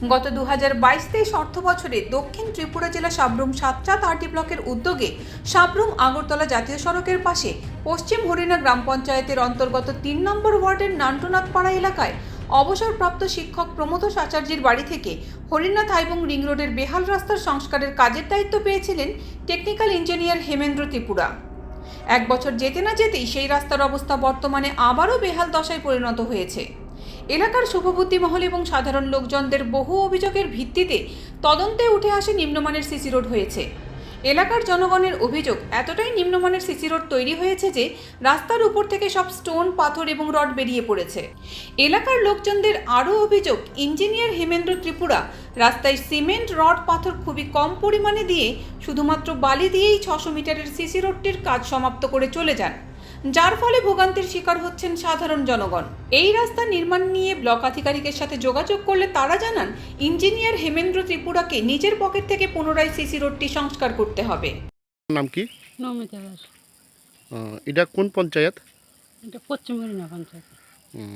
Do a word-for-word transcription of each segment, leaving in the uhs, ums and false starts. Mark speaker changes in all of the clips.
Speaker 1: গত দু হাজার বাইশ তেইশ অর্থ বছরে দক্ষিণ ত্রিপুরা জেলা সাব্রুম সাতটা তার্টি ব্লকের উদ্যোগে সাব্রুম আগরতলা জাতীয় সড়কের পাশে পশ্চিম হরিণা গ্রাম পঞ্চায়েতের অন্তর্গত তিন নম্বর ওয়ার্ডের নান্টনাথপাড়া এলাকায় অবসরপ্রাপ্ত শিক্ষক প্রমোদ আচার্যের বাড়ি থেকে হরিনাথ এবং রিং রোডের বেহাল রাস্তার সংস্কারের কাজের দায়িত্ব পেয়েছিলেন টেকনিক্যাল ইঞ্জিনিয়ার হেমেন্দ্র ত্রিপুরা। এক বছর যেতে না যেতেই সেই রাস্তার অবস্থা বর্তমানে আবারও বেহাল দশায় পরিণত হয়েছে। এলাকার শুভবুদ্ধি মহল এবং সাধারণ লোকজনদের বহু অভিযোগের ভিত্তিতে তদন্তে উঠে আসে নিম্নমানের সিসি রোড হয়েছে। এলাকার জনগণের অভিযোগ, এতটাই নিম্নমানের সিসি রোড তৈরি হয়েছে যে রাস্তার উপর থেকে সব স্টোন, পাথর এবং রড বেরিয়ে পড়েছে। এলাকার লোকজনদের আরও অভিযোগ, ইঞ্জিনিয়ার হেমেন্দ্র ত্রিপুরা রাস্তায় সিমেন্ট, রড, পাথর খুবই কম পরিমাণে দিয়ে শুধুমাত্র বালি দিয়েই ছশো মিটারের সিসি রোডটির কাজ সমাপ্ত করে চলে যান, যার ফলে ভোগান্তির শিকার হচ্ছেন সাধারণ জনগণ। এই রাস্তা নির্মাণ নিয়ে ব্লক আধিকারিকের সাথে যোগাযোগ করলে তারা জানান, ইঞ্জিনিয়ার হেমেন্দ্র ত্রিপুরাকে নিজের পকেট থেকে পুনরায় সিসি রোডটি সংস্কার করতে হবে।
Speaker 2: নাম কি?
Speaker 3: নমিতা দাস।
Speaker 2: আহ, এটা কোন পঞ্চায়েত?
Speaker 3: এটা পশ্চিম হরিণা পঞ্চায়েত।
Speaker 2: হুম।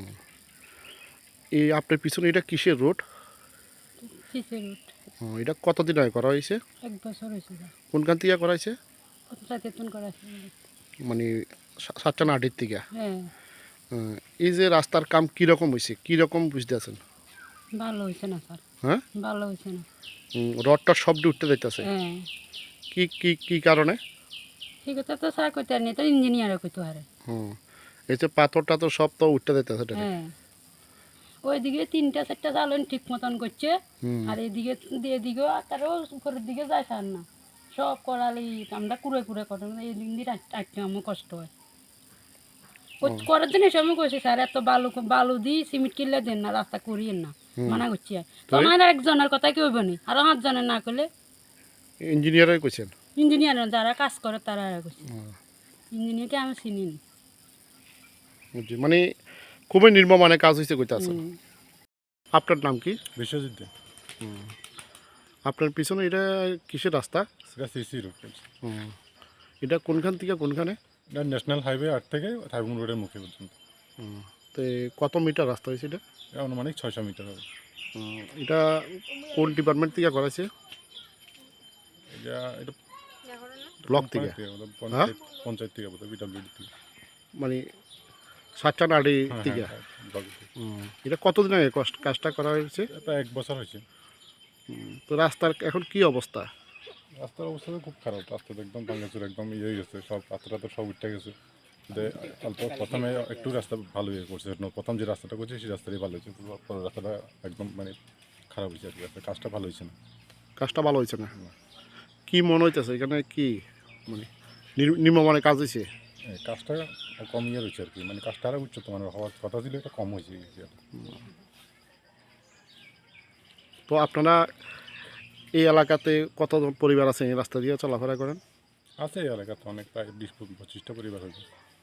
Speaker 2: এই আপনার পিছনে এটা কিসের রোড?
Speaker 3: CC road.
Speaker 2: ও, এটা কতদিন আগে করা হয়েছে?
Speaker 3: এক বছর হয়েছে।
Speaker 2: কোনখান থেকে করা হয়েছে?
Speaker 3: সচেতন করা আছে।
Speaker 2: মানে সাতটা আটের থেকে?
Speaker 3: হ্যাঁ,
Speaker 2: আহ, এই যে রাস্তার কাম কীরকম হয়েছে, কীরকম বুঝতে আছেন?
Speaker 3: ভালো হয়েছে না স্যার।
Speaker 2: হ্যাঁ,
Speaker 3: ভালো হয়েছে না।
Speaker 2: হুম, রডটা সবটি উঠতে যাইতেছে।
Speaker 3: হ্যাঁ,
Speaker 2: কি কি কি কারণে?
Speaker 3: ঠিক আছে তো স্যার কইতে আর নেই, তো ইঞ্জিনিয়ারও কইতে পারে।
Speaker 2: হুম, এই যে পাথরটা তো সব তো উঠতে যাইতেছে।
Speaker 3: হ্যাঁ, ওইদিকে তিনটা চারটা চালন ঠিক মতন করছে,
Speaker 2: হুম।
Speaker 3: আর এইদিকে এদিকেও তারও উপরের দিকে যায় স্যার না, সব করালি আমরা কুড়ে কুড়ে করেন, এই দিন দিয়ে আটকে আমার কষ্ট হয়। ও করার জন্য এসব কইছে স্যার, এত বালু বালু দিই সিমেন্ট কিনলে দেন না, রাস্তা করিয়েন না, মানা করছি। তো আমার একজনের কথা কি হইব নি, আরো পাঁচজনের না করলে
Speaker 2: ইঞ্জিনিয়ারই কইছেন?
Speaker 3: ইঞ্জিনিয়ার যারা কাজ করে তারা কইছে। ইঞ্জিনিয়ারকে আমি চিনি না।
Speaker 2: বুঝছি, মানে খুবই নির্মমানে কাজ হয়েছে কইতে আছেন। আপনার নাম কি?
Speaker 4: বিশ্বজিৎ দে।
Speaker 2: হুম। আপনার পিছনে এটা কিসের রাস্তা?
Speaker 4: সেটা সিসি রোড।
Speaker 2: হুম। এটা কোনখান থেকে কোনখানে?
Speaker 4: এটা ন্যাশনাল হাইওয়ে আট থেকে থাইবুং রোডের মুখে পর্যন্ত।
Speaker 2: হুম। তো কত মিটার রাস্তা হয়েছে এটা?
Speaker 4: এটা অনুমানিক ছয়শো মিটার হবে।
Speaker 2: হুম, এটা কোন ডিপার্টমেন্ট থেকে করা হয়েছে?
Speaker 4: এটা এটা
Speaker 2: ব্লক থেকে?
Speaker 4: পঞ্চায়েত পঞ্চায়েত থেকে বোধ হয়, বিডব্লিউডি থেকে।
Speaker 2: মানে সাতটা নাড়ি
Speaker 4: হ্যাঁ,
Speaker 2: থেকে?
Speaker 4: হ্যাঁ, ব্লক থেকে।
Speaker 2: হুম। এটা কতদিন আগে কষ্ট- কাজটা করা হয়েছে?
Speaker 4: এটা এক বছর হয়েছে।
Speaker 2: হুম। তো রাস্তার এখন কি অবস্থা?
Speaker 4: রাস্তার অবস্থা তো খুব খারাপ, রাস্তা তো একদম ভাঙাচুর, একদম ইয়ে হয়ে গেছে, সব পাথরটা তো সব উঠে গেছে। যে অল্প প্রথমে একটু রাস্তা ভালো ইয়ে করছে, প্রথম যে রাস্তাটা করছে সেই রাস্তাটাই ভালো হয়েছে, পরের রাস্তাটা একদম মানে খারাপ হয়েছে আর কি। রাস্তা কাজটা ভালো হয়েছে না।
Speaker 2: কাজটা ভালো হয়েছে না? কি মনে হইতেছে এখানে কি মানে নির- নিম্নমানের কাজ হয়েছে?
Speaker 4: এই কাজটা কম ইয়ে রয়েছে আর কি, মানে কাজটা আরও উচ্চত মানের হওয়ার কথা ছিল, এটা কম হয়েছে।
Speaker 2: তো আপনারা এই এলাকাতে কতজন পরিবার আছে এই রাস্তা দিয়ে চলাফেরা করেন?
Speaker 4: আছে এই এলাকাতে অনেক, প্রায় বিশ পঁচিশটা পরিবার হয়েছে।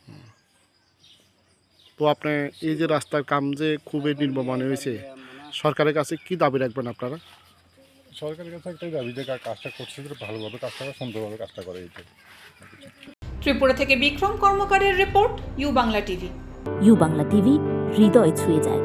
Speaker 2: তো আপনি এই যে রাস্তার কাম যে খুবই নিম্নমানের হয়েছে, সরকারের কাছে কি দাবি রাখবেন আপনারা?
Speaker 4: সরকারের কাছে একটাই দাবি যে কাজটা করছে যে ভালোভাবে কাজটা করে, সুন্দরভাবে কাজটা করে। এইটাই।
Speaker 1: ত্রিপুরা থেকে বিক্রম কর্মকারের report, U Bangla TV.
Speaker 5: U Bangla TV হৃদয় ছুঁয়ে যায়।